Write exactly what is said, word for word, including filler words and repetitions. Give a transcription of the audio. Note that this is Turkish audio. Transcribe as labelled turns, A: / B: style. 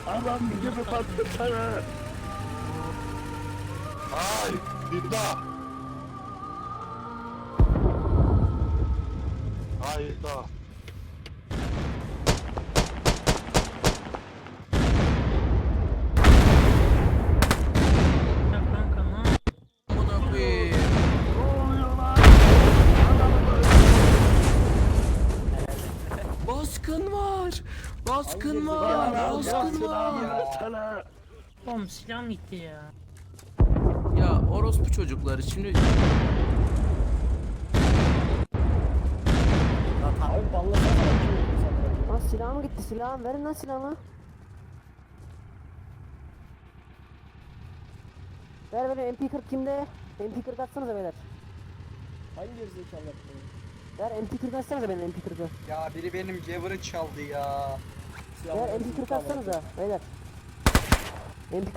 A: Adam gibi patlasana.
B: Ay, iddia. Ay, iddia.
C: Ya kanka ne yap-
D: Amına koyayım.
A: Ne oluyor lan?
D: Baskın var. Baskın var.
A: Bana
D: Baskın
A: silahını
D: var.
A: versene.
C: Oğlum silahım gitti ya.
D: Ya orospu çocukları şimdi
E: Abi ballasana sen.
F: Lan silahım gitti, silahım verin lan silahımı. Ver ver, M P kırk kimde? M P kırk atsanıza beyler.
E: Hangi gerizekalı yaptı bunu?
F: Ver M P kırk atsanıza benim M P kırk'ı.
G: Ya biri benim Gevur'ı çaldı ya.
E: Silahını
F: Ver M P kırk atsanıza beyler. M P